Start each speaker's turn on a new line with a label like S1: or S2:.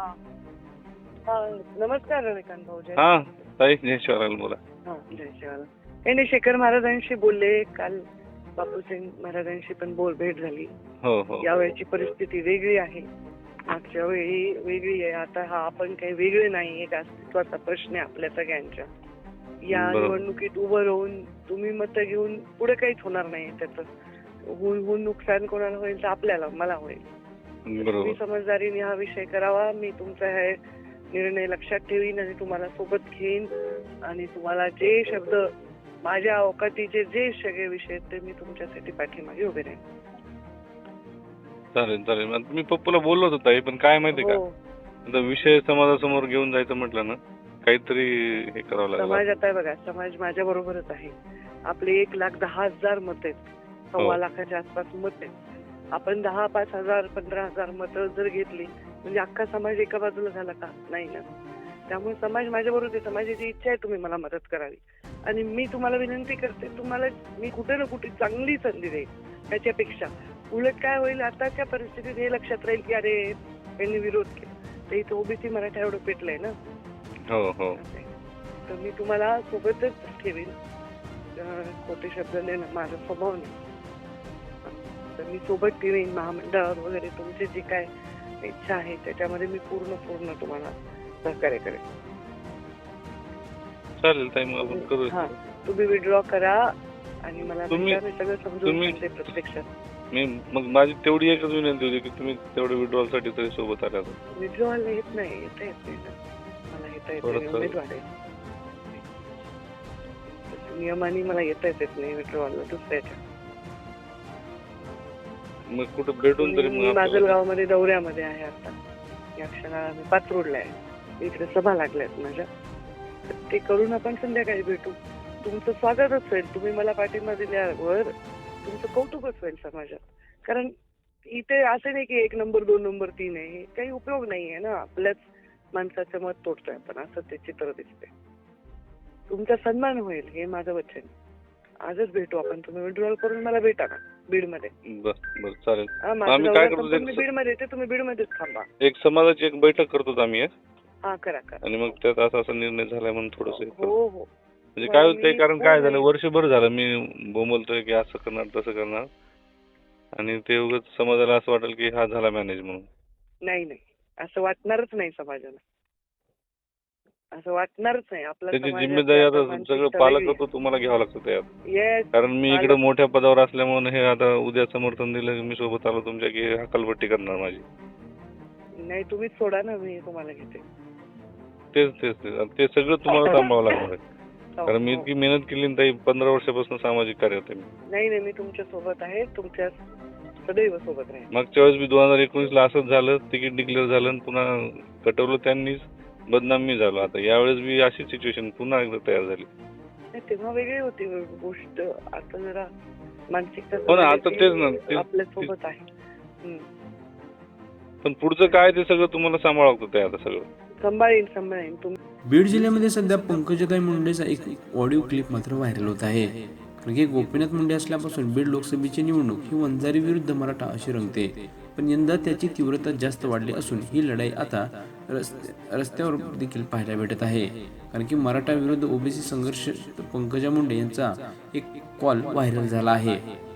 S1: हा हा नमस्कार रविकांत भाऊ. जय
S2: हा ताई जयश्वराला बोला.
S1: हा जय शिवाला. काही नाही, शेखर महाराजांशी बोलले काल. बापूसिंग महाराजांशी पण भेट झाली.
S2: हो हो
S1: यावेळची परिस्थिती वेगळी आहे, मागच्या वेळी वेगळी आहे. आता हा आपण काही वेगळे नाही, एक अस्तित्वाचा प्रश्न आहे आपल्या सगळ्यांच्या. या
S2: बरोबर.
S1: निवडणुकीत उभं राहून तुम्ही मतं घेऊन पुढे काहीच होणार नाही. त्याचं होऊन नुकसान कोणाला होईल तर आपल्याला, मला होईल. तुम्ही
S2: बरोबर.
S1: समजदारीने हा विषय करावा. मी तुमचा हे निर्णय लक्षात ठेवीन आणि तुम्हाला सोबत घेईन आणि तुम्हाला जे शब्द माझ्या अवकातीचे जे सगळे विषय आहेत ते मी तुमच्यासाठी पाठीमागे उभे राहीन.
S2: चालेल चालेल. आता मी पप्पूला बोललो होतो ताई, पण काय माहिती का,
S1: हो,
S2: आता विषय समाजासमोर घेऊन जायचं म्हटलं ना, काहीतरी हे करावं लागेल.
S1: समाज आता बघा, समाज माझ्या बरोबरच आहे. आपले 1,10,000 मत आहेत,
S2: हो.
S1: 1.25 लाखाच्या आसपास मत आहेत. आपण 10, 5,000, 15,000 मतं जर घेतली म्हणजे अख्खा समाज एका बाजूला झाला का? नाही ना. त्यामुळे समाज माझ्या बरोबर आहे. समाजाची इच्छा आहे तुम्ही मला मदत करावी आणि मी तुम्हाला विनंती करते, तुम्हाला मी कुठे ना कुठे चांगली संधी देईन. त्याच्यापेक्षा उलट काय होईल, आताच्या परिस्थितीत हे लक्षात राहील की अरे यांनी विरोध केला, तर इथे ओबीसी मराठा एवढं पेटलंय ना.
S2: हो हो
S1: तर मी तुम्हाला सोबतच ठेवीन. खोटे शब्द देणं माझा स्वभाव नाही. तर मी सोबत ठेवीन. महामंडळावर वगैरे तुमची जी काय इच्छा आहे त्याच्यामध्ये मी पूर्ण तुम्हाला सहकार्य करेन.
S2: चालेल ताई, मग आपण करू.
S1: हा, तुम्ही विड्रॉ करा आणि मला
S2: तुम्ही-
S1: भेटा. मी सगळं समजून
S2: तुम्ही-
S1: सांगते प्रत्यक्षात.
S2: मी मग माझी तेवढी एकच विनंती होती की तुम्ही तेवढे विड्रॉल साठी तरी सोबत आल्या.
S1: विड्रॉल येत नाही ना, मला येता येत नाही.
S2: थोडंसं-
S1: उमेदवार आहे. नियमाने मला येताच येत नाही विड्रॉलला दुसऱ्याच्या.
S2: मग कुठं भेटून तरी
S1: मी
S2: मग
S1: माजलगावमध्ये दौऱ्यामध्ये आहे आता. या क्षणाला मी पाचरोडला आहे. इकडे सभा लागल्यात माझ्या. तर ते करून आपण संध्याकाळी भेटू. तुमचं स्वागतच होईल. तुम्ही मला पाठिंबा दिल्यावर तुमचं कौतुकच होईल समाजात. कारण इथे असं नाही की 1 नंबर 2 नंबर 3 आहे. हे काही उपयोग नाहीये ना. आपल्याच माणसाचं मत तोडतोय आपण, असं ते चित्र दिसतंय. तुमचा सन्मान होईल हे माझं वचन. आजच भेटू आपण. तुम्ही विड्रॉल करून मला भेटा ना बीडमध्ये.
S2: बरं चालेल.
S1: माझं
S2: आम्ही
S1: दौरा
S2: काय करतो,
S1: संपून मी बीडमध्ये येते. तुम्ही बीडमध्येच थांबा.
S2: एक समाजाची एक बैठक करतो आम्ही
S1: हा, करा.
S2: आणि मग त्यात असा निर्णय झालाय म्हणून थोडस
S1: हो.
S2: म्हणजे काय होतं,
S1: मी-
S2: कारण काय झालं, वर्षभर झालं मी बोंबलतोय की असं करणार तसं करणार, आणि ते उगाच समाजाला असं वाटेल की हा झाला मॅनेज म्हणून.
S1: नाही, असं वाटणारच नाही समाजाला. असं वाटणारच नाही. आपला
S2: त्याची
S1: समाज
S2: जिम्मेदारी
S1: आता
S2: आता
S1: मानसिकता
S2: सगळं
S1: वेगळी
S2: पालकत्व तुम्हाला घ्यावं लागतं त्यात.
S1: आहे. Yes,
S2: कारण मी इकडे
S1: पालक-
S2: मोठ्या पदावर असल्यामुळे हे आता उद्या समर्थन दिलं की मी सोबत आलो तुमच्या की हकालपट्टी करणार माझी.
S1: नाही, तुम्हीच सोडा ना, मी तुम्हाला घेते.
S2: ते सगळं तुम्हाला सांभाळावं लागणार आहे.
S1: हो,
S2: कारण मी
S1: हो.
S2: इतकी मेहनत केली ना ताई, 15 वर्षापासून सामाजिक कार्य होते मी.
S1: नाही, मी तुमच्या सोबत आहे. तुमच्या सदैव सोबत राहील.
S2: मागच्या वेळेस मी 2019ला असंच झालं, तिकीट डिक्लेअर झालं आणि पुन्हा कटवलं त्यांनीच, बदनाम मी झालो. आता यावेळेस बी अशी सिच्युएशन पुन्हा एकदा तयार झाली.
S1: नाही, तेव्हा वेगळी होती गोष्ट. आता जरा मानसिकता
S2: हो ना, आता तेच ना,
S1: आपल्या सोबत आहे.
S2: पण पुढचं काय ते सगळं तुम्हाला सांभाळावं लागतं ते आता सगळं.
S1: सांभाळीन तुम्ही.
S3: बीड जिल्ह्यामध्ये सध्या पंकजाताई मुंडेचा एक ऑडिओ क्लिप मात्र व्हायरल होत आहे. कारण की गोपीनाथ मुंडे असल्यापासून बीड लोकसभेची निवडणूक ही वंजारी विरुद्ध मराठा अशी रंगते. पण यंदा त्याची तीव्रता जास्त वाढली असून ही लढाई आता रस्त्यावर देखील पाहायला भेटत आहे. कारण की मराठा विरुद्ध ओबीसी संघर्ष पंकजा मुंडे यांचा एक कॉल व्हायरल झाला आहे.